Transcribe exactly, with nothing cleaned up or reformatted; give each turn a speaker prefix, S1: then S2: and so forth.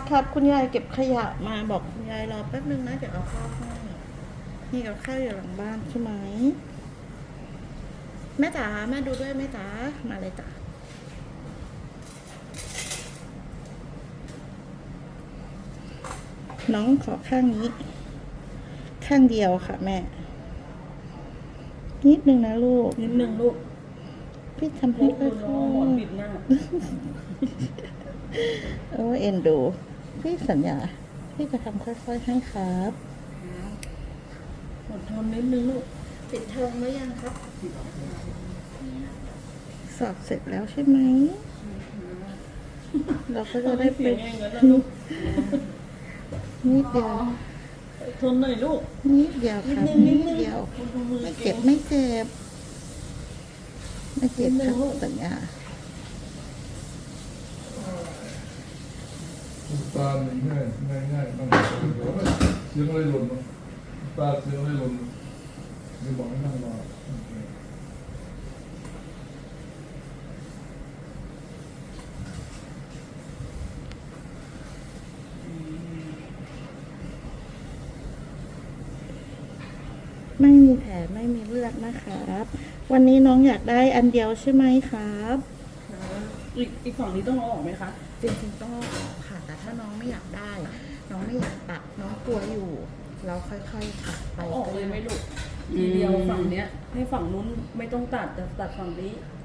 S1: ครับคุณยายเก็บขยะมาบอกคุณยายรอแป๊บนึงนะเดี๋ยวเอาข้าวให้นี่กับข้าวอยู่หลังบ้านใช่ไหมแม่จ๋าแม่ดูด้วยแม่จ๋ามาเลยจ้ะน้องขอข้างนี้ ข้างเดียวค่ะแม่ นิดนึงนะลูก
S2: นิดนึงลูก
S1: พี่ทำให้ค่อย
S2: น้องหมอนปิดหน้า
S1: ๆโอ้เอ็นดู พี่สัญญา พี่จะทำค่อยๆให้ครับ
S2: อดทนนิดนึงลูก
S1: ปิดเทอมหรือยังครับ สอบเสร็จแล้วใช่ไหม เราก็จะได้ไป
S2: เสียงเองแล้วลูก
S1: นิดเดียว
S2: ทนหน่อยลูก
S1: นิดเดียวครับนิดเดียว
S2: ดูมือ
S1: ไม่
S2: เก่
S1: เจ็
S2: ง
S1: บไม่เจ็บ ไม่เจ็บครับสัญญา
S3: ตาหนึ่งง่ายง่ายง่ายนั่งเสียงอะไรหล่นมั้งตาเสียงอะไรหล่นไม่บอกให้นั่งรอ
S1: ไม่มีแผลไม่มีเลือดนะครับ วันนี้น้องอยากได้อันเดียวใช่ไหมครับ
S2: อีกอีกฝั่งนี้ต้องเอาออกไหมคะ
S1: จริงๆต้องเอาออกค่ะแต่ถ้าน้องไม่อยากได้ น้องไม่อยากตัดน้องกลัวอยู่ เราค่อยๆตัดไป
S2: เอาออกเลยไหมลูก ทีเดียวฝั่งเนี้ย ให้ฝั่งนู้นไม่ต้องตัดแต่ตัดฝั่งนี้
S1: ไ